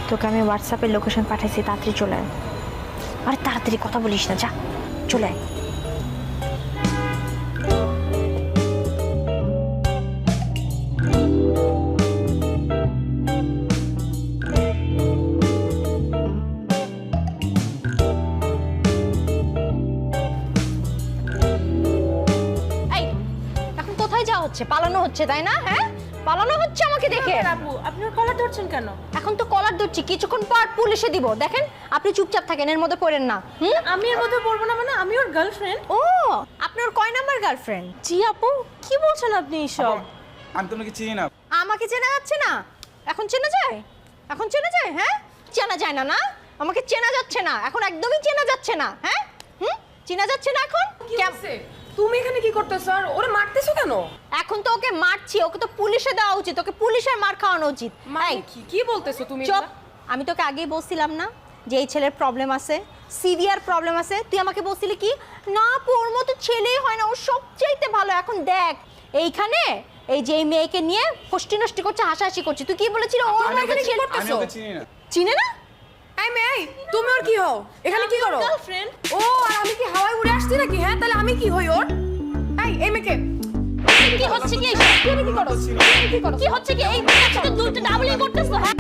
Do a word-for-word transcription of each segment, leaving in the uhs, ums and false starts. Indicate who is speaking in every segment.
Speaker 1: তোকে আমি হোয়াটসঅ্যাপে লোকেশন পাঠাইছি, তাড়াতাড়ি চলে আয়। আরে তাড়াতাড়ি কথা বলিস না, যা চলে আয়। এই এখন কোথায় যাওয়া হচ্ছে? পালানো হচ্ছে তাই না? হ্যাঁ পালানো হচ্ছে আমাকে দেখে।
Speaker 2: আপু আপনি ওর কলার ধরছেন কেন?
Speaker 1: এখন তো কলার ধরছি, কিছুক্ষণ পর পুলিশে দিব। দেখেন আপনি চুপচাপ থাকেন, এর মধ্যে পড়েন না। হুম
Speaker 2: আমি এর মধ্যে পড়বো না মানে? আমি ওর গার্লফ্রেন্ড।
Speaker 1: ও আপনি ওর কয় নাম্বার গার্লফ্রেন্ড?
Speaker 2: জি আপু, কি বলছেন আপনি এসব?
Speaker 3: আমি তোমাকে চিনি না।
Speaker 1: আমাকে চেনা যাচ্ছে না? এখন চেনা যায়? এখন চেনা যায়? হ্যাঁ চেনা যায় না না? আমাকে চেনা যাচ্ছে না এখন, একদমই চেনা যাচ্ছে না। হ্যাঁ হুম চেনা যাচ্ছে না এখন।
Speaker 2: তুমি এখানে কি করতেছো আর ওরে মারতেছো কেন?
Speaker 1: এখন তো ওকে মারছি, ওকে তো পুলিশে দেওয়া উচিত, ওকে পুলিশের মার খাওয়ানো উচিত।
Speaker 2: মানে
Speaker 1: এই,
Speaker 2: কি কি বলতেছো তুমি?
Speaker 1: চুপ। আমি তোকে আগেই বলছিলাম না যে এই ছেলের প্রবলেম আছে, সিভিয়ার প্রবলেম আছে? তুই আমাকে বলছিলি কি না ওর মতো ছেলেই হয় না, ও সবচাইতে ভালো। এখন দেখ এইখানে এই যে এই মেয়েকে নিয়ে ফষ্টি নষ্টি করছে, হাসাহাসি করছে। তুই কি বলেছিলি ওর
Speaker 3: আমি
Speaker 1: মতো
Speaker 3: ওকে
Speaker 1: ছেলে?
Speaker 3: আমি ওকে চিনি না।
Speaker 1: চিনে না?
Speaker 2: এই মেয়ে, তুমি ওর কি হও? এখানে কি করো? গার্লফ্রেন্ড। ও আর আমি কি হাওয়ায় উড়ে আসছি নাকি? হ্যাঁ তাহলে আমি কি হই ওর? এই এই মেয়েকে
Speaker 1: কি হচ্ছে কি এইসব? তুমি কি করো? তুমি কি করো? কি হচ্ছে কি? এই বাচ্চা তো দুটো ডাবলই করতেছ। হ্যাঁ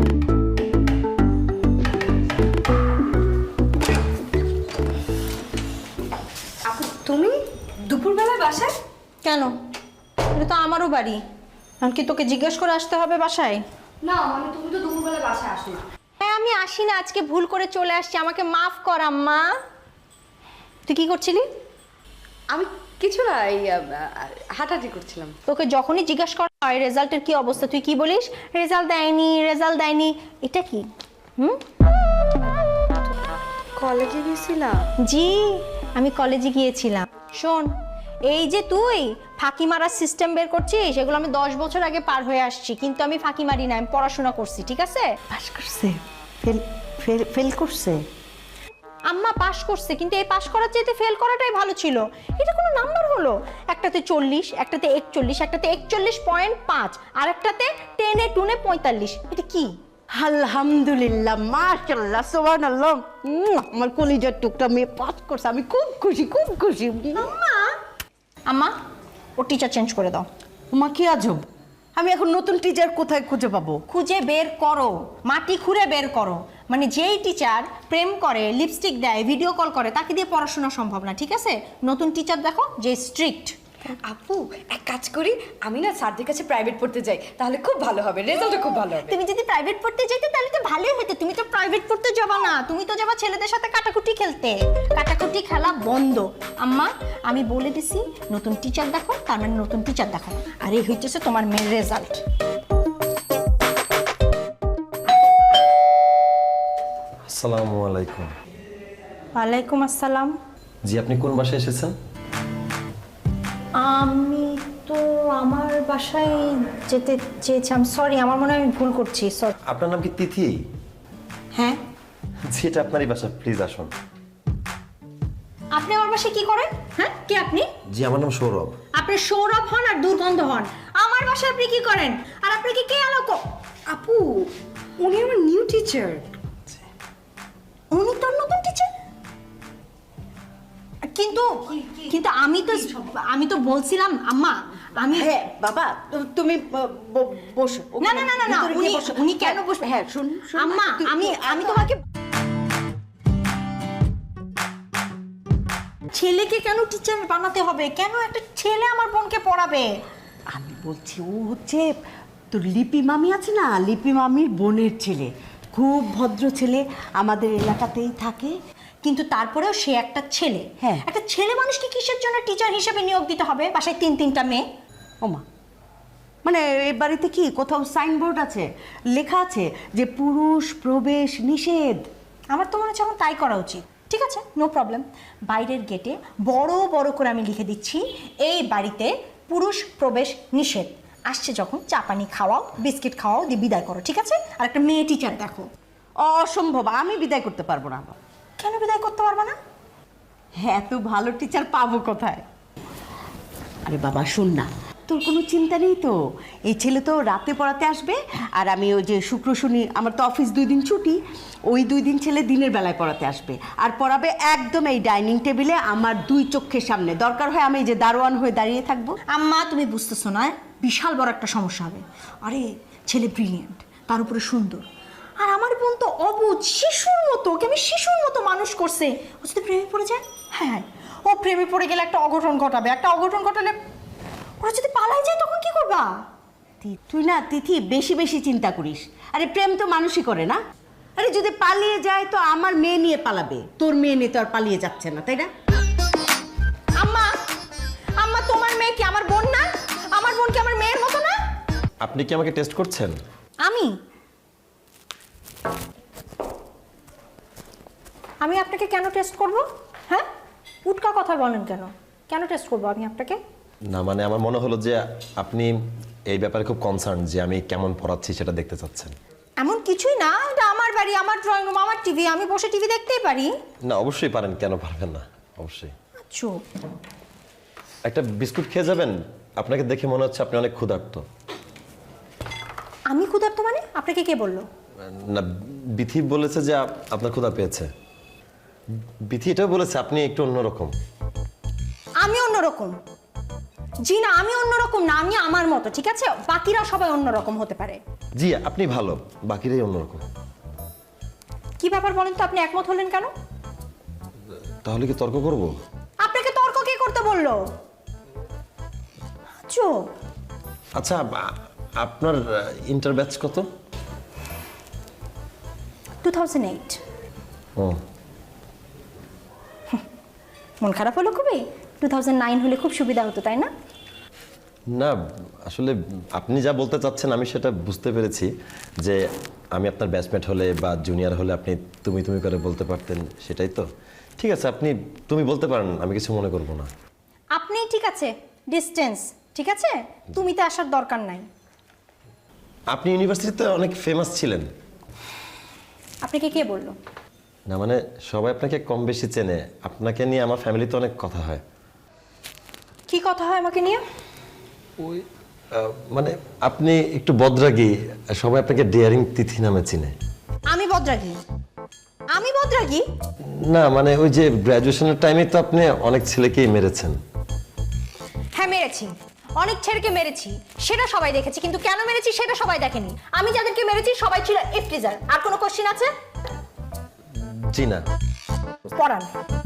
Speaker 2: আপু তুমি দুপুরবেলায় বাসায়?
Speaker 1: কেন? এটা তো আমারও বাড়ি, এখন কি তোকে জিজ্ঞেস করে আসতে হবে বাসায়?
Speaker 2: না মানে তুমি তো দুপুরবেলায় বাসায় আসো না।
Speaker 1: হ্যাঁ আমি আসি না, আজকে ভুল করে চলে আসছি, আমাকে মাফ কর আম্মা। তুই কি করছিলি?
Speaker 4: আমি কিছু না, এই হাঁটাহাঁটি করছিলাম।
Speaker 1: তোকে যখনই জিজ্ঞাসা করা হয় রেজাল্টের কি অবস্থা, তুই কি বলিস? রেজাল্ট দেয়নি, রেজাল্ট দেয়নি। এটা কি? হুম
Speaker 4: কলেজে গেছিলাম।
Speaker 1: জি আমি কলেজে গিয়েছিলাম। শোন, এই যে তুই ফাঁকি মারার সিস্টেম বের করছিস, এগুলো আমি দশ বছর আগে পার হয়ে আসছি, কিন্তু আমি ফাঁকি মারি না, আমি পড়াশোনা করছি। ঠিক আছে?
Speaker 5: পাস করছে, ফেল ফেল ফেল করছে।
Speaker 1: আম্মা পাশ করছে, কিন্তু এই পাশ করার চাইতে ফেল করাটাই ভালো ছিল। এটা কোনো নাম্বার হলো? একটাতে চল্লিশ, একটাতে একচল্লিশ, একটাতে একচল্লিশ পয়েন্ট পাঁচ, আর একটাতে টেনে টুনে পঁয়তাল্লিশ। এটা কি?
Speaker 5: আলহামদুলিল্লাহ, মাশাআল্লাহ, সুবহানাল্লাহ। উম, আমার কলিজার টুকটা মেয়ে পাস করছে, আমি খুব খুশি, খুব খুশি।
Speaker 1: আম্মা আম্মা ও টিচার চেঞ্জ করে দাও।
Speaker 5: মা কি আজব, আমি এখন নতুন টিচার কোথায় খুঁজে পাবো?
Speaker 1: খুঁজে বের করো, মাটি খুঁড়ে বের করো। মানে যেই টিচার প্রেম করে, লিপস্টিক দেয়, ভিডিও কল করে, তাকে দিয়ে পড়াশোনা সম্ভব না। ঠিক আছে? নতুন টিচার দেখো যে স্ট্রিক্ট।
Speaker 4: আপু এক কাজ করি, আমি না স্যারদের কাছে প্রাইভেট পড়তে যাই, তাহলে খুব ভালো হবে, রেজাল্টও খুব ভালো হবে।
Speaker 1: তুমি যদি প্রাইভেট পড়তে যাইতে তাহলে তো ভালোই হতো। তুমি তো প্রাইভেট পড়তে যাবা না, তুমি তো যাবা ছেলেদের সাথে কাটাকুটি খেলতে। কাটাকুটি খেলা বন্ধ। আম্মা আমি বলে দিছি নতুন টিচার দেখো, তার মানে নতুন টিচার দেখো। আর এই হইতেছে তোমার মেয়ের রেজাল্ট।
Speaker 6: আসসালামু আলাইকুম।
Speaker 1: ওয়ালাইকুম আসসালাম।
Speaker 6: জি আপনি কোন বাসায় এসেছেন?
Speaker 1: আমি তো আমার বাসায় যেতে চেয়েছিলাম। সরি, আমার মনে হয় আমি ভুল করছি। সরি।
Speaker 6: আপনার নাম কি তিথি?
Speaker 1: হ্যাঁ।
Speaker 6: জি এটা আপনারই বাসা, প্লিজ আসুন।
Speaker 1: আপনি আমার বাসায় কি করেন? হ্যাঁ কে আপনি?
Speaker 6: জি আমার নাম সৌরভ।
Speaker 1: আপনি সৌরভ হন আর দুর্গন্ধ হন। আমার বাসায় আপনি কি করেন? আর আপনি কি কে আলোক?
Speaker 4: আপু উনি আমার নিউ টিচার।
Speaker 1: উনি তোর নতুন টিচার? কিন্তু কিন্তু আমি তো আমি তো বলছিলাম আম্মা আমি
Speaker 5: হ্যাঁ বাবা, তু- তুমি ব- ব- বসো।
Speaker 1: না না না না না
Speaker 5: ভিতরে গিয়ে
Speaker 1: উনি
Speaker 5: বসো।
Speaker 1: উনি কেন
Speaker 5: হ্যাঁ,
Speaker 1: বসবে?
Speaker 5: হ্যাঁ শুন শুন,
Speaker 1: আম্মা
Speaker 5: তুই-
Speaker 1: আমি
Speaker 5: তুই-
Speaker 1: আমি তোমাকে ছেলেকে কেন টিচার বানাতে হবে? কেন একটা ছেলে আমার বোনকে পড়াবে?
Speaker 5: আমি বলছি ও হচ্ছে তোর লিপি মামি আছে না, লিপি মামির বোনের ছেলে, খুব ভদ্র ছেলে, আমাদের এলাকাতেই থাকে।
Speaker 1: কিন্তু তারপরেও সে একটা ছেলে।
Speaker 5: হ্যাঁ।
Speaker 1: একটা ছেলে মানুষকে কিসের জন্য টিচার হিসেবে নিয়োগ দিতে হবে? বাসায় তিন তিনটা মেয়ে।
Speaker 5: ওমা, মানে এই বাড়িতে কি কোথাও সাইনবোর্ড আছে, লেখা আছে যে পুরুষ প্রবেশ নিষেধ?
Speaker 1: আমার তো মনে হচ্ছে এখন তাই করা উচিত। ঠিক আছে, নো প্রবলেম। বাইরের গেটে বড় বড় করে আমি লিখে দিচ্ছি, এই বাড়িতে পুরুষ প্রবেশ নিষেধ। আসছে যখন চা পানি খাওয়াও, বিস্কিট খাওয়াও, দিয়ে বিদায় করো। ঠিক আছে? আর একটা মেয়ে টিচার দেখো।
Speaker 5: অসম্ভব, আমি বিদায় করতে পারবো না।
Speaker 1: কেন বিদায় করতে পারবা না?
Speaker 5: হ্যাঁ এত ভালো টিচার পাবো কোথায়? আরে বাবা শোন না, তোর কোনো চিন্তা নেই তো। এই ছেলে তো রাতে পড়াতে আসবে, আর আমি ওই যে শুক্র শনি আমার তো অফিস দুই দিন ছুটি, ওই দুই দিন ছেলে দিনের বেলায় পড়াতে আসবে আর পড়াবে একদম এই ডাইনিং টেবিলে আমার দুই চোখের সামনে। দরকার হয় আমি এই যে দারোয়ান হয়ে দাঁড়িয়ে থাকবো।
Speaker 1: আম্মা তুমি বুঝতেছো না, বিশাল বড় একটা সমস্যা হবে। আরে ছেলে ব্রিলিয়েন্ট, তার উপরে সুন্দর, আর আমার বোন তো অবুঝ শিশুর মতো, ওকে আমি শিশুর মতো মানুষ করছে। ও যদি প্রেমে পড়ে যায়, হ্যাঁ ও প্রেমে পড়ে গেলে একটা অঘটন ঘটাবে, একটা অঘটন ঘটালে ওরা যদি পালাই যায় তখন কি করবা?
Speaker 5: তি- তুই না তিথি বেশি বেশি চিন্তা করিস। আরে প্রেম তো মানুষই করে না। আরে যদি পালিয়ে যায় তো আমার মেয়ে নিয়ে পালাবে, তোর মেয়ে নিয়ে তো আর পালিয়ে যাচ্ছে না, তাই না?
Speaker 1: আম্মা আম্মা তোমার মেয়ে কি আমার বোন না? আমার বোন কি আমার মেয়ের মতো না?
Speaker 6: আপনি কি আমাকে টেস্ট করছেন?
Speaker 1: আমি আমি আপনাকে কেন টেস্ট করব? হ্যাঁ, উটকা কথা বলেন কেন? কেন টেস্ট করব আমি আপনাকে?
Speaker 6: না মানে আমার মনে হলো যে আপনি এই ব্যাপারে খুব কনসার্ন যে আমি কেমন পড়াচ্ছি সেটা দেখতে চাচ্ছেন।
Speaker 1: এমন কিছুই না, এটা আমার বাড়ি, আমার ড্রয়িং রুম, আমার টিভি, আমি বসে টিভি দেখতেই পারি।
Speaker 6: না অবশ্যই পারেন, কেন পারবেন না, অবশ্যই।
Speaker 1: চুপ।
Speaker 6: একটা বিস্কুট খেয়ে যাবেন? আপনাকে দেখে মনে হচ্ছে আপনি অনেক ক্ষুধার্ত।
Speaker 1: আমি ক্ষুধার্ত মানে? আপনাকে কে বললো?
Speaker 6: না বিথি বলেছে যে আপ- আপনার ক্ষুধা পেয়েছে। বিথি এটাও বলেছে আপনি একটু অন্যরকম।
Speaker 1: আমি অন্যরকম? জি না, আমি অন্যরকম না, আমি আমার মতো, ঠিক আছে? বাকিরা সবাই অন্যরকম হতে পারে।
Speaker 6: জি আপনি ভালো, বাকিরাই অন্যরকম।
Speaker 1: কি ব্যাপার বলেন তো, আপনি একমত হলেন কেন?
Speaker 6: তাহলে কি তর্ক করব?
Speaker 1: আপনাকে তর্ক কে করতে বললো? চুপ।
Speaker 6: আচ্ছা আ- আপনার ইন্টার ব্যাচ কত?
Speaker 1: Two thousand eight.
Speaker 6: ও
Speaker 1: মন খারাপ হলো খুবই? টু থাউজেন্ড নাইন হলে খুব সুবিধা হতো, তাই না?
Speaker 6: না আসলে আপনি যা বলতে চাচ্ছেন আমি সেটা বুঝতে পেরেছি, যে আমি আপনার ব্যাচমেট হলে বা জুনিয়র হলে আপনি তুমি তুমি করে বলতে পারতেন, সেটাই তো। ঠিক আছে আপনি তুমি বলতে পারেন, আমি কিছু মনে করব না।
Speaker 1: আপনি ঠিক আছে, ডিস্টেন্স ঠিক আছে, তুমিতে আসার দরকার নাই।
Speaker 6: আপনি ইউনিভার্সিটিতে অনেক ফেমাস ছিলেন।
Speaker 1: আপনাকে কে বললো?
Speaker 6: না মানে সবাই আপনাকে কম বেশি চেনে, আপনাকে নিয়ে আমার ফ্যামিলিতে অনেক কথা হয়।
Speaker 1: কি কথা হয় আমাকে নিয়ে?
Speaker 6: ওই আহ, মানে আপনি একটু বদরাগী, সবাই আপনাকে ডেয়ারিং তিথি নামে চিনে।
Speaker 1: আমি বদরাগী? আমি বদরাগী?
Speaker 6: না মানে ওই যে গ্র্যাজুয়েশনের টাইমে তো আপনি অনেক ছেলেকেই মেরেছেন।
Speaker 1: হ্যাঁ মেরেছি, অনেক ছেলেকে মেরেছি, সেটা সবাই দেখেছি, কিন্তু কেন মেরেছি সেটা সবাই দেখেনি। আমি যাদেরকে মেরেছি সবাই ছিল ইফটিজার। আর কোনো কোশ্চেন আছে?
Speaker 6: জি না।
Speaker 1: পড়ান।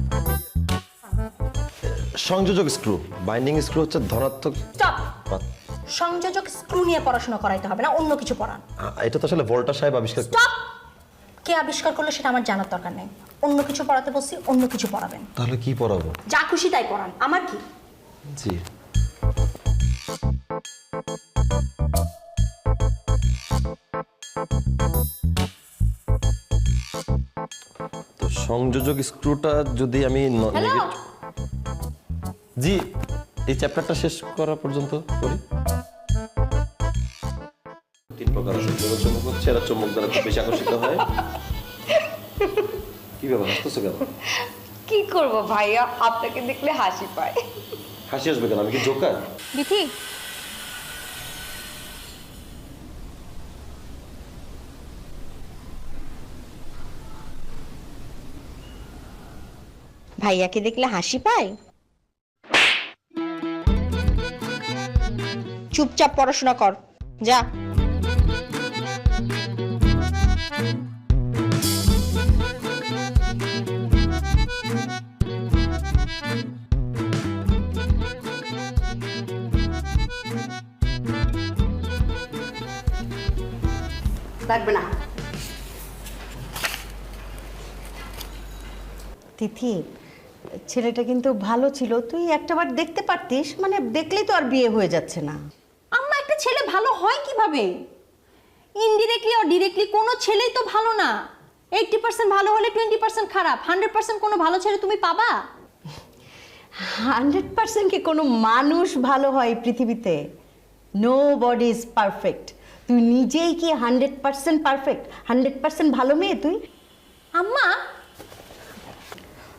Speaker 6: সংযোজক স্ক্রু, বাইন্ডিং স্ক্রু হচ্ছে ধনাত্মক।
Speaker 1: স্টপ। সংযোজক স্ক্রু নিয়ে পড়াশোনা করাইতে হবে না, অন্য কিছু পড়ান।
Speaker 6: আ- এটা তো আসলে ভোল্টা সাহেব আবিষ্কার।
Speaker 1: স্টপ। কে আবিষ্কার করলো সেটা আমার জানার দরকার নেই। অন্য কিছু পড়াতে বসছি, অন্য কিছু পড়াবেন।
Speaker 6: তাহলে কি পড়াবো?
Speaker 1: যা খুশি তাই পড়ান, আমার কি?
Speaker 6: জি তো সংযোজক স্ক্রুটা যদি আমি ন-
Speaker 1: হ্যালো।
Speaker 6: নেগেট- জি এই চ্যাপ্টারটা শেষ করা পর্যন্ত করি। তিন প্রকার আছে, জোড়া চুম্বক হচ্ছে এরা চুম্বক দ্বারা খুব বেশি আকর্ষিত হয়। কি ব্যাপার হাসতেছো কেন?
Speaker 4: কি করব ভাইয়া, আপনাকে দেখলে হাসি পায়।
Speaker 6: হাসি আসবে কেন? আমি কি জোকার?
Speaker 1: বিথি, ভাইয়াকে দেখলে হাসি পায়? চুপচাপ পড়াশোনা কর, যা।
Speaker 5: লাগবে না। তিথি ছেলেটা কিন্তু ভালো ছিল, তুই একটাবার দেখতে পারতিস, মানে দেখলেই তো আর বিয়ে হয়ে যাচ্ছে না।
Speaker 1: আম্মা একটা ছেলে ভালো হয় কিভাবে? ইনডিরেক্টলি আর ডিরেক্টলি কোনো ছেলেই তো ভালো না। এইটটি পার্সেন্ট ভালো হলে টোয়েন্টি পার্সেন্ট খারাপ, হান্ড্রেড পার্সেন্ট কোনো ভালো ছেলে তুমি পাবা?
Speaker 5: হান্ড্রেড পার্সেন্ট কি কোনো মানুষ ভালো হয় এই পৃথিবীতে? Nobody is perfect. তুই নিজেই কি hundred percent perfect, hundred percent ভালো মেয়ে তুই?
Speaker 1: আম্মা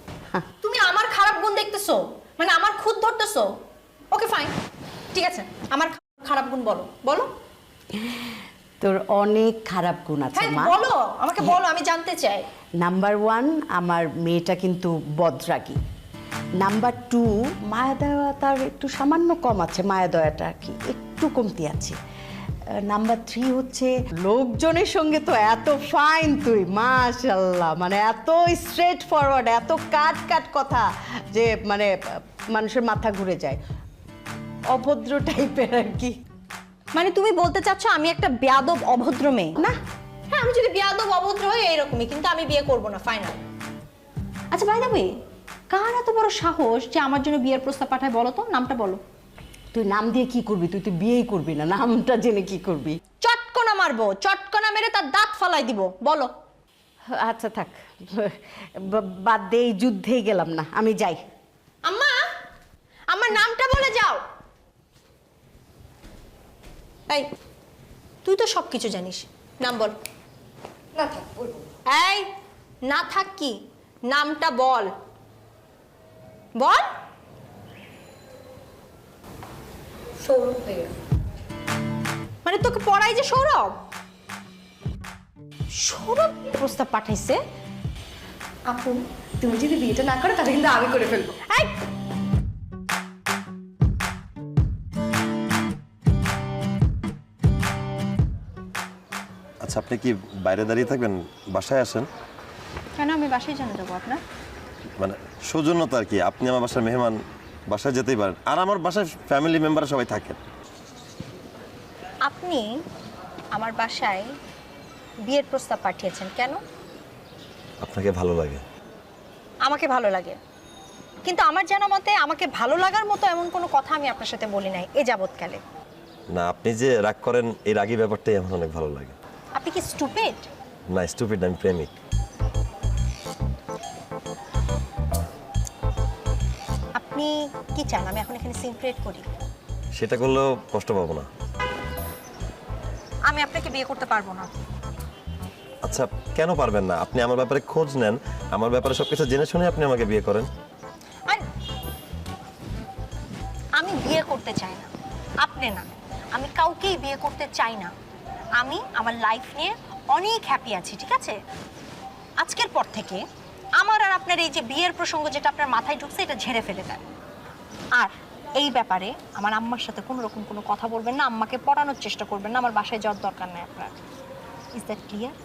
Speaker 1: তুমি আমার খারাপ গুণ দেখতেছো, মানে আমার খুদ ধরতেছো? ওকে ফাইন, ঠিক আছে আমার খারাপ গুণ বলো বলো।
Speaker 5: তোর অনেক খারাপ গুণ আছে
Speaker 1: হ্যাঁ
Speaker 5: মা।
Speaker 1: বলো, আমাকে বলো, আমি জানতে চাই।
Speaker 5: নাম্বার ওয়ান, আমার মেয়েটা কিন্তু বদরাগী। নাম্বার টু, মায়া দয়া তার একটু সামান্য কম আছে, মায়া দয়াটা আর কি একটু কমতি আছে। নাম্বার থ্রি হচ্ছে লোকজনের সঙ্গে তো এত ফাইন তুই, মাশাল্লাহ, মানে এত স্ট্রেট ফরওয়ার্ড, এত কাট কাট কথা যে মানে মানুষের মাথা ঘুরে যায়। অভদ্র টাইপের আর কি।
Speaker 1: মানে তুমি বলতে চাচ্ছ আমি একটা বেয়াদব অভদ্র মেয়ে?
Speaker 5: না,
Speaker 1: হ্যাঁ, আমি যদি বেয়াদব অভদ্র হই এইরকমই, কিন্তু আমি বিয়ে করব না, ফাইনাল। আচ্ছা বাই দ্য ওয়ে, কার এত বড় সাহস যে আমার জন্য বিয়ের প্রস্তাব পাঠায় বলো তো? নামটা বলো।
Speaker 5: তুই নাম দিয়ে কি করবি? তুই তো বিয়েই করবি না, নামটা জেনে কি করবি?
Speaker 1: চটকনা মারবো, চটকনা মেরে তার দাঁত ফালাই দিব, বলো।
Speaker 5: আচ্ছা থাক, বা- বাদ দে, এই যুদ্ধেই গেলাম না, আমি যাই।
Speaker 1: আম্মা, আমার নামটা বলে যাও। এই, তুই তো সব কিছু জানিস, নাম বল।
Speaker 4: না থাক, বলবো।
Speaker 1: এই, না থাক কি, নামটা বল, বল।
Speaker 4: সৌরভ ভাইয়া।
Speaker 1: মানে তোকে পড়াই যে সৌরভ? সৌরভ প্রস্তাব পাঠাইছে?
Speaker 4: আপু, তুমি যদি বিয়েটা না করো তাহলে কিন্তু আমি করে ফেলবো।
Speaker 1: এই,
Speaker 6: আচ্ছা, আপনি কি বাইরে দাঁড়িয়ে থাকবেন? বাসায় আসেন।
Speaker 1: কেন আমি বাসায় জানা যাবো আপনার?
Speaker 6: মানে সৌজন্যতা আর কি, আপনি আমার বাসার মেহমান, বাসায় যেতেই পারেন। আর আমার বাসায় ফ্যামিলি মেম্বার সবাই থাকেন।
Speaker 1: আপনি আমার বাসায় বিয়ের প্রস্তাব পাঠিয়েছেন কেন?
Speaker 6: আপনাকে ভালো লাগে।
Speaker 1: আমাকে ভালো লাগে, কিন্তু আমার জানা মতে আমাকে ভালো লাগার মতো এমন কোনো কথা আমি আপনার সাথে বলি নাই এ যাবৎকালে।
Speaker 6: না, আপনি যে রাগ করেন এই রাগী ব্যাপারটাই আমার অনেক ভালো লাগে।
Speaker 1: আপনি কি স্টুপিড?
Speaker 6: না, স্টুপিড, আমি প্রেমিক।
Speaker 1: আপনি কি চান আমি এখন এখানে সিন ক্রিয়েট করি?
Speaker 6: সেটা করলেও কষ্ট পাবো না।
Speaker 1: আমি আপনাকে বিয়ে করতে পারবো না।
Speaker 6: আচ্ছা, কেন পারবেন না? আপনি আমার ব্যাপারে খোঁজ নেন, আমার ব্যাপারে সবকিছু জেনে শুনে আপনি আমাকে বিয়ে করেন।
Speaker 1: আর আমি বিয়ে করতে চাই না, আপনি না, আমি কাউকেই বিয়ে করতে চাই না। আমি আমার লাইফ নিয়ে অনেক হ্যাপি আছি, ঠিক আছে? আজকের পর থেকে আমার আর আপনার এই যে বিয়ের প্রসঙ্গ যেটা আপনার মাথায় ঢুকছে এটা ঝেড়ে ফেলে দেন। আর এই ব্যাপারে আমার আম্মার সাথে কোনো রকম কোনো কথা বলবেন না, আম্মাকে পড়ানোর চেষ্টা করবেন না, আমার বাসায় যাওয়ার দরকার নেই আপনার। Is that clear?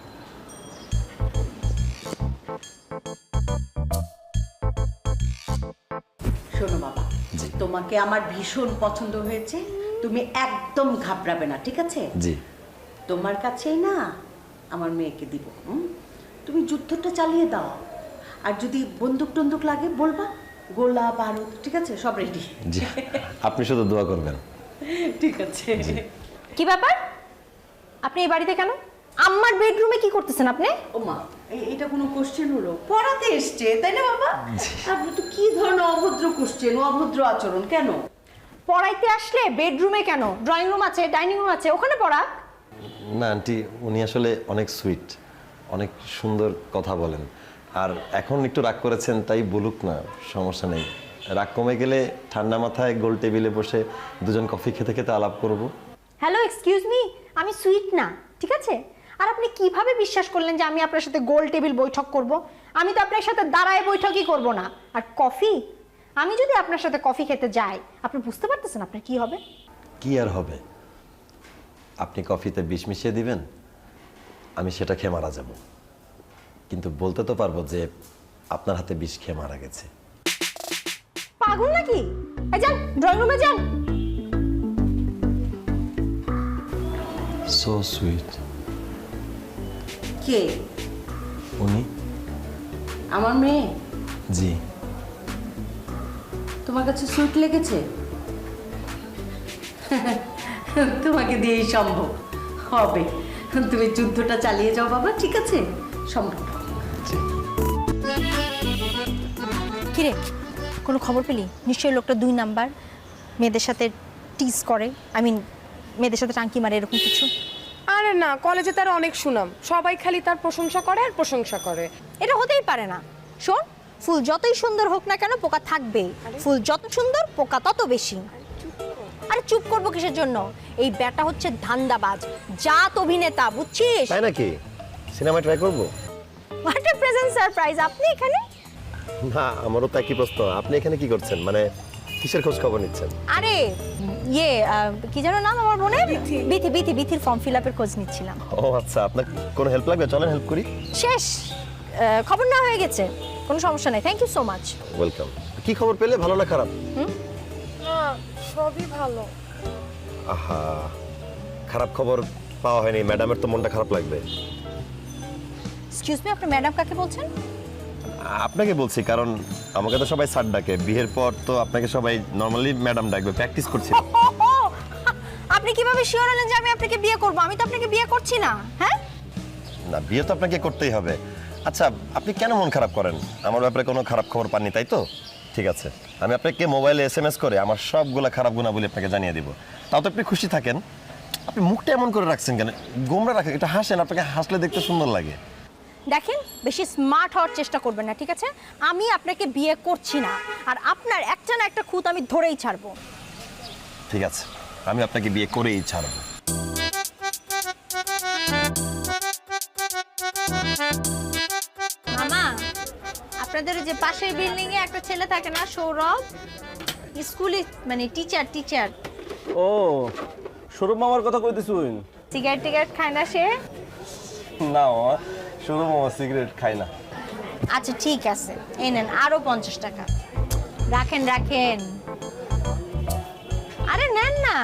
Speaker 5: শোনো বাবা,
Speaker 6: জি।
Speaker 5: তোমাকে আমার ভীষণ পছন্দ হয়েছে, তুমি একদম ঘাবড়াবে না, ঠিক আছে?
Speaker 6: জি।
Speaker 5: তোমার কাছেই না আমার মেয়েকে দিব, হুম? তুমি যুদ্ধটা চালিয়ে দাও, আর যদি বন্দুক টন্দুক লাগে বলবা, গোলা বারুদ, ঠিক আছে, সব রেডি।
Speaker 6: জি, আপনি শুধু দোয়া করবেন।
Speaker 5: ঠিক আছে।
Speaker 1: কি ব্যাপার, আপনি এই বাড়িতে কেন? আম্মার বেডরুমে কি করতেছেন আপনি?
Speaker 5: ও মা, এ- এটা কোনো কোশ্চেন হলো? পড়াতে এসছে তাই না বাবা? আপনি তো কি ধরনের অভদ্র কোশ্চেন, অভদ্র আচরণ কেন?
Speaker 1: পড়াইতে আসলে বেডরুমে কেন? ড্রয়িং রুম আছে, ডাইনিং রুম আছে, ওখানে পড়া।
Speaker 6: না আন্টি, উনি আসলে অনেক সুইট, অনেক সুন্দর কথা বলেন। আর এখন একটু রাগ করেছেন, তাই বলুক না, সমস্যা নেই। রাগ কমে গেলে ঠান্ডা মাথায় গোল টেবিলে বসে দুজন কফি খেতে খেতে আলাপ করব।
Speaker 1: হ্যালো, এক্সকিউজ মি, আমি সুইট না, ঠিক আছে? আর আপনি কিভাবে বিশ্বাস করলেন যে আমি আপনার সাথে গোল টেবিল বৈঠক করব? আমি তো আপনার সাথে দাঁড়ায় বৈঠকই করব না। আর কফি, আমি যদি আপনার সাথে কফি খেতে যাই, আপনি বুঝতে পারতেছেন আপনার কি হবে?
Speaker 6: কি আর হবে? আপনি কফিতে বিষ মিশিয়ে দিবেন, আমি সেটা খেয়ে মারা যাব। কিন্তু বলতে তো পারবো যে আপনার হাতে বিষ খেয়ে মারা গেছে।
Speaker 1: পাগল নাকি? এই যান, ড্রয়িং রুমে যান।
Speaker 6: So sweet.
Speaker 5: কে?
Speaker 6: উনি?
Speaker 5: আমার মেয়ে?
Speaker 6: জি।
Speaker 5: তোমার কাছে সুইট লেগেছে? তোমাকে দিয়েই সম্ভব হবে। তুমি যুদ্ধটা চালিয়ে যাও বাবা, ঠিক আছে? সম্ভব।
Speaker 6: জি।
Speaker 1: কিরে, কোনো খবর পেলি? নিশ্চয়ই লোকটা দুই নাম্বার, মেয়েদের সাথে টিজ করে, আই মিন মেয়েদের সাথে টাঙ্কি মারে, এরকম কিছু।
Speaker 2: আরে না, কলেজে তার অনেক সুনাম, সবাই খালি তার প্রশংসা করে আর প্রশংসা করে।
Speaker 1: এটা হতেই পারে না। শোন, ফুল যতই সুন্দর হোক না কেন পোকা থাকবেই, ফুল যত সুন্দর পোকা তত বেশি। আরে চুপ করবো কিসের জন্য? এই ব্যাটা হচ্ছে ধান্দাবাজ, জাত অভিনেতা, বুঝছিস?
Speaker 6: তাই নাকি? সিনেমা ট্রাই করবো?
Speaker 1: হোয়াট এ প্রেজেন্ট সারপ্রাইজ, আপনি এখানে?
Speaker 6: না, আমারও তো একই প্রশ্ন। আপনি এখানে কি করছেন? মানে কিসের খোঁজ খবর নিচ্ছেন?
Speaker 1: আরে ইয়ে আহ, কি যেন নাম আমার বোনের? বিথি বিথি বিথির ফর্ম ফিল আপের খোঁজ নিচ্ছিলাম।
Speaker 6: ও আচ্ছা, আপনার কোনো হেল্প লাগবে? চলেন হেল্প করি।
Speaker 1: শেষ, আহ, খবর না হয়ে গেছে, কোনো সমস্যা নেই, thank you so much.
Speaker 6: Welcome. কি খবর পেলে, ভালো না খারাপ?
Speaker 2: না সবই ভালো।
Speaker 6: আহা, খারাপ খবর পাওয়া হয়নি, ম্যাডামের তো মনটা খারাপ লাগবে।
Speaker 1: এক্সকিউজ মি, আপনি ম্যাডাম কাকে বলছেন?
Speaker 6: আপনাকে বলছি, কারণ আমাকে তো সবাই স্যার ডাকে, বিয়ের পর তো আপনাকে সবাই নর্মালি ম্যাডাম ডাকবে, প্র্যাকটিস করছি।
Speaker 1: ওহো, আপনি কিভাবে শিওর হলেন যে আমি আপনাকে বিয়ে করব? আমি তো আপনাকে বিয়ে করছি না। হ্যাঁ,
Speaker 6: না, বিয়ে তো আপনাকে করতেই হবে। আচ্ছা, আপনি কেন মন খারাপ করেন? আমার ব্যাপারে কোনো খারাপ খবর পাননি, তাই তো? ঠিক আছে, আমি আপনাকে মোবাইলে এস এম এস করে আমার সবগুলা খারাপ গুণাবলী আপনাকে জানিয়ে দিব। তাও তো আপনি খুশি থাকেন। আপনি মুখটা এমন করে রাখছেন কেন? গোমরা রাখেন, এটা হাসেন, আপনাকে হাসলে দেখতে সুন্দর লাগে।
Speaker 1: দেখেন, বেশি স্মার্ট হওয়ার চেষ্টা করবেন না, ঠিক আছে? আমি আপনাকে বিয়ে করছি না, আর আপনার একটা না একটা খুঁত আমি ধরেই ছাড়বো।
Speaker 6: ঠিক আছে, আমি আপনাকে বিয়ে করেই ছাড়বো।
Speaker 1: মামা, আপনাদের ওই যে পাশের বিল্ডিং এ একটা ছেলে থাকে না, সৌরভ, স্কুলে মানে টিচার টিচার
Speaker 3: ও সৌরভ মামার কথা কইতেছুন?
Speaker 1: সিগারেট টিগারেট খায় না সে?
Speaker 3: না মামা, সৌরভ মামা সিগারেট খায় না।
Speaker 1: আচ্ছা ঠিক আছে, এই নেন আরো পঞ্চাশ টাকা, রাখেন রাখেন, আরে নেন না।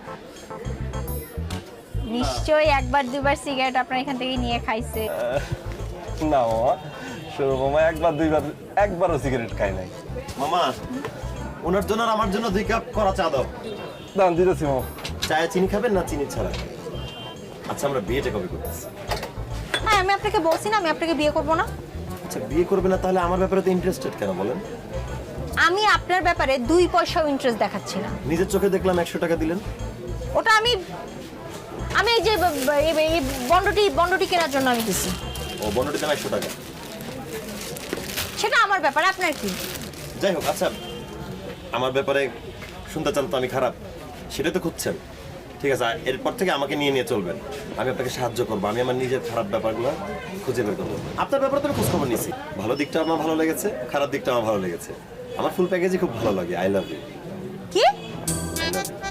Speaker 1: নিশ্চয়ই একবার দুবার সিগারেট আপনার এখান থেকে নিয়ে খাইছে।
Speaker 3: না মামা, সৌরভ মামা একবার দুইবার একবারও সিগারেট খায় নাই।
Speaker 6: মামা, ওনার জন্য আর আমার জন্য দুই কাপ করা চা দাও।
Speaker 3: দাম দিতেছি মামা।
Speaker 6: চায়ে চিনি খাবেন না চিনি ছাড়া? আচ্ছা, আমরা বিয়েটা কবে করতেছি?
Speaker 1: হ্যাঁ, আমি আপনাকে বলছি না আমি আপনাকে বিয়ে করব না।
Speaker 6: আচ্ছা, বিয়ে করবে না তাহলে আমার ব্যাপারে তো ইন্টারেস্টেড কেন বলেন?
Speaker 1: আমি আপনার ব্যাপারে দুই পয়সাও ইন্টারেস্ট দেখাচ্ছি না।
Speaker 6: নিজের চোখে দেখলাম একশো টাকা দিলেন।
Speaker 1: ওটা আমি আমি এই যে ব- ব- এই- এই বন্ডটি বন্ডটি কেনার জন্য আমি দিছি।
Speaker 6: ও, বন্ডটি দাম একশো টাকা।
Speaker 1: সেটা আমার ব্যাপারে, আপনার কি?
Speaker 6: যাই হোক, আচ্ছা, আমার ব্যাপারে শুনতে চান তো আমি খারাপ, সেটাই তো খুঁজছেন। ঠিক আছে, আর এরপর থেকে আমাকে নিয়ে নিয়ে চলবেন। আমি আপনাকে সাহায্য করবো, আমি আমার নিজের খারাপ ব্যাপারগুলো খুঁজে বের করবো। আপনার ব্যাপারে তো আমি খোঁজ খবর নিছি, ভালো দিকটা আমার ভালো লেগেছে, খারাপ দিকটা আমার ভালো লেগেছে। আমার ফুল প্যাকেজই খুব ভালো লাগে। I love you.
Speaker 1: কি?
Speaker 6: I love you.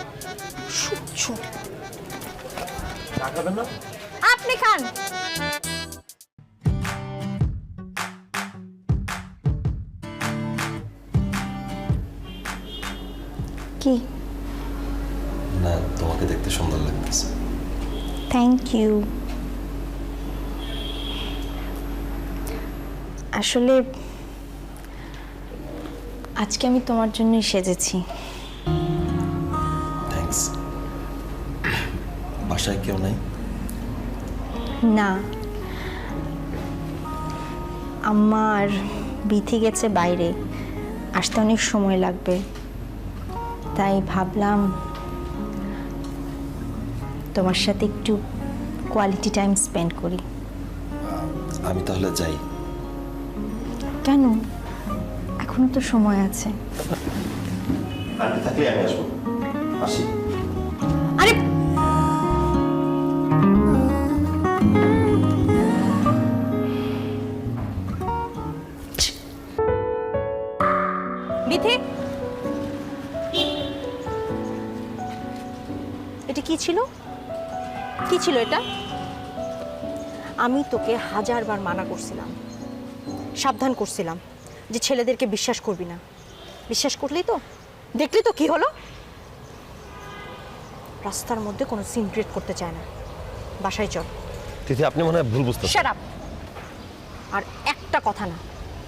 Speaker 6: চা খাবেন না?
Speaker 1: আপনি খান। কি?
Speaker 6: না, তোমাকে দেখতে সুন্দর লাগতেছে।
Speaker 1: Thank you. আসলে আজকে আমি তোমার জন্যই সেজেছি।
Speaker 6: থ্যাঙ্কস। বাসায় কেউ নাই?
Speaker 1: না, আমার বিথি গেছে বাইরে, আসতে অনেক সময় লাগবে, তাই ভাবলাম তোমার সাথে একটু কোয়ালিটি টাইম স্পেন্ড করি।
Speaker 6: আমি তাহলে যাই।
Speaker 1: কেন? এখনো তো সময় আছে।
Speaker 6: আন্টি থাকলে আমি আসবো। আসি।
Speaker 1: আরে বিথি, এটা কি ছিল? কি ছিল এটা? আমি তোকে হাজারবার মানা করছিলাম, সাবধান করছিলাম যে ছেলেদেরকে বিশ্বাস করবি না। বিশ্বাস করলি তো, দেখলি তো কি হলো। রাস্তার মধ্যে কোনো সিন ক্রিয়েট করতে চায় না। বাসায় চল।
Speaker 6: তিথি, আপনি মনে হয় ভুল বুঝতেছেন।
Speaker 1: Shut up. আর একটা কথা না,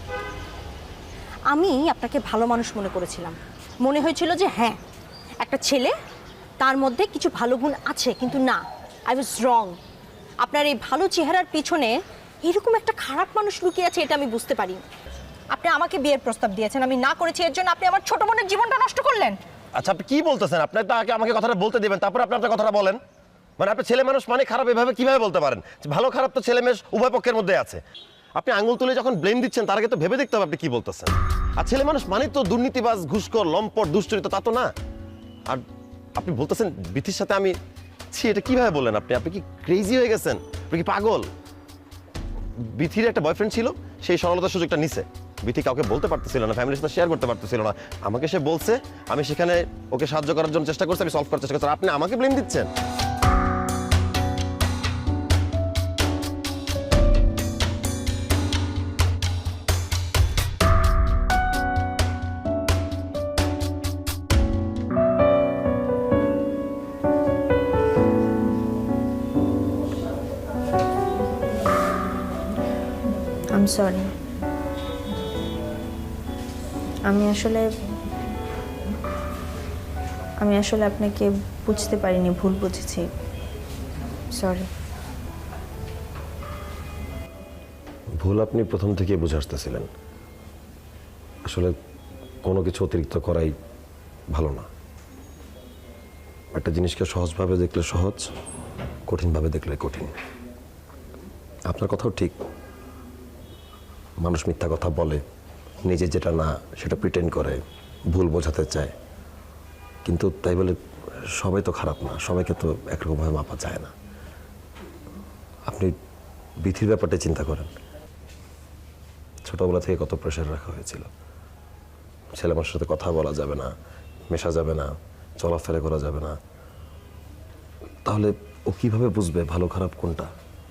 Speaker 1: আমি আপনাকে ভালো মানুষ মনে করেছিলাম, মনে হয়েছিল যে হ্যাঁ একটা ছেলে, তার মধ্যে কিছু ভালো গুণ আছে, কিন্তু না, আই ওয়াজ রং। আপনার এই ভালো চেহারার পিছনে এরকম একটা খারাপ মানুষ লুকিয়ে আছে, এটা আমি বুঝতে পারি। আপনি আমাকে বিয়ের প্রস্তাব দিয়েছেন, আমি না করেছি, এর জন্য আপনি আমার ছোট বোনের জীবনটা নষ্ট করলেন।
Speaker 6: আচ্ছা, আপনি কি বলতেছেন? আপনি তো আগে আমাকে কথাটা বলতে দিবেন, তারপর আপনি আপনার কথাটা বলেন। মানে আপনি ছেলে মানুষ মানে খারাপ এভাবে কিভাবে বলতে পারেন? ভালো খারাপ তো ছেলে মেয়ে উভয় পক্ষের মধ্যে আছে। আপনি আঙুল তুলে যখন ব্লেম দিচ্ছেন, তার আগে তো ভেবে দেখতে হবে আপনি কি বলতেছেন। আর ছেলে মানুষ মানে তো দুর্নীতিবাজ, ঘুষখোর, লম্পট, দুশ্চরিত, তা তো না। আর আপনি বলতেছেন বিথির সাথে আমি, ছি এটা কিভাবে বললেন আপনি? আপনি কি ক্রেজি হয়ে গেছেন? আপনি কি পাগল? বিথির একটা বয়ফ্রেন্ড ছিল, সেই সরলতার সুযোগটা নিছে। বিথি কাউকে বলতে পারতেছিল না, ফ্যামিলির সাথে শেয়ার করতে পারতেছিল না, আমাকে সে বলছে, আমি সেখানে ওকে সাহায্য করার জন্য চেষ্টা করছি, আমি সলভ করার চেষ্টা করছি। আপনি আমাকে ব্লেম দিচ্ছেন?
Speaker 1: I am sorry. আমি আসলে আমি আসলে আপনাকে বুঝতে পারিনি, ভুল বুঝেছি, সরি।
Speaker 6: ভুল আপনি প্রথম থেকে বুঝে আসতেছিলেন। আসলে কোনো কিছু অতিরিক্ত করাই ভালো না। একটা জিনিসকে সহজভাবে দেখলে সহজ, কঠিনভাবে দেখলে কঠিন। আপনার কথাও ঠিক, মানুষ মিথ্যা কথা বলে, নিজে যেটা না সেটা প্রিটেন্ড করে, ভুল বোঝাতে চায়। কিন্তু তাই বলে সবাই তো খারাপ না, সবাইকে তো একরকমভাবে মাপা যায় না। আপনি বিথির ব্যাপারটা চিন্তা করেন। ছোটবেলা থেকে কত প্রেশার রাখা হয়েছিল, ছেলে মানুষের সাথে কথা বলা যাবে না, মেশা যাবে না, চলাফেরা করা যাবে না। তাহলে ও কিভাবে বুঝবে ভালো খারাপ কোনটা?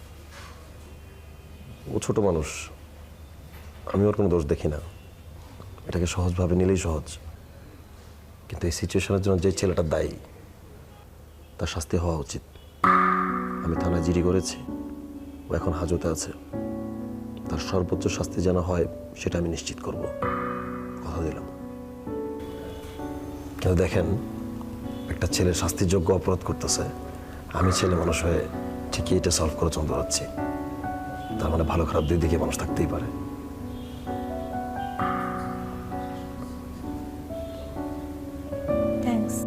Speaker 6: ও ছোট মানুষ, আমি ওর কোনো দোষ দেখি না। এটাকে সহজভাবে নিলেই সহজ, কিন্তু এই সিচুয়েশনের জন্য যে ছেলেটা দায়ী তার শাস্তি হওয়া উচিত। আমি থানায় জিডি করেছি, ও এখন হাজতে আছে। তার সর্বোচ্চ শাস্তি যেন হয় সেটা আমি নিশ্চিত করব, কথা দিলাম। কিন্তু দেখেন, একটা ছেলের শাস্তিযোগ্য অপরাধ করতেছে, আমি ছেলে মানুষ হয়ে ঠিকই এটা সলভ করে চলতে পারছি। তার মানে ভালো খারাপ দুই দিকে মানুষ থাকতেই পারে।
Speaker 1: থ্যাঙ্কস।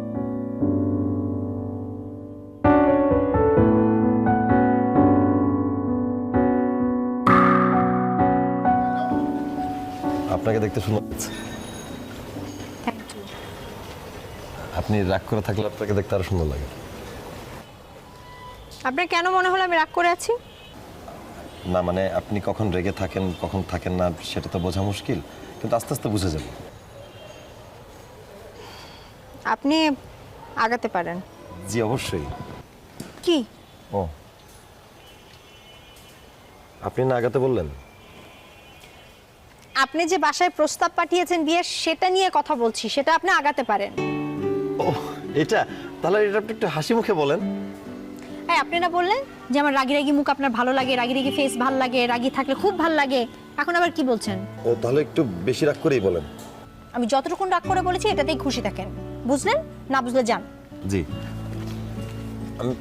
Speaker 6: আপনাকে দেখতে সুন্দর লাগছে।
Speaker 1: Thank you.
Speaker 6: আপনি রাগ করে থাকলে আপনাকে দেখতে আরো সুন্দর লাগে।
Speaker 1: আপনার কেন মনে হলো আমি রাগ করে আছি?
Speaker 6: না মানে আপনি কখন রেগে থাকেন কখন থাকেন না সেটা তো বোঝা মুশকিল, কিন্তু আস্তে আস্তে বুঝে যাবে।
Speaker 1: আপনি আগাতে পারেন।
Speaker 6: জি অবশ্যই।
Speaker 1: কি?
Speaker 6: ও, আপনি না আগাতে বললেন?
Speaker 1: আপনি যে বাসায় প্রস্তাব পাঠিয়েছেন বিয়ের, সেটা নিয়ে কথা বলছি, সেটা আপনি আগাতে পারেন।
Speaker 6: ও এটা, তাহলে এটা আপনি একটু হাসি মুখে বলেন।
Speaker 1: হ্যাঁ, আপনি না বললেন যে আমার রাগি রাগি মুখ আপনার ভালো লাগে, রাগি রাগি ফেস ভালো লাগে, রাগি থাকলে খুব ভালো লাগে, এখন আবার কি বলছেন?
Speaker 6: ও তাহলে একটু বেশি রাগ করেই বলেন।
Speaker 1: আমি যতটুকু রাগ করে বলেছি এটাতেই খুশি থাকেন, বুঝলেন? না বুঝলে যান।
Speaker 6: জি। আমি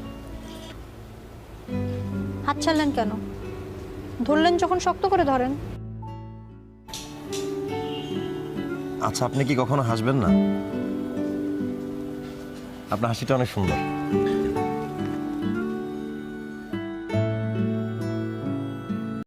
Speaker 1: হাত ছাড়লেন কেন? ধরলেন যখন শক্ত করে ধরেন।
Speaker 6: আচ্ছা, আপনি কি কখনো হাসবেন না? আপনার হাসিটা অনেক সুন্দর।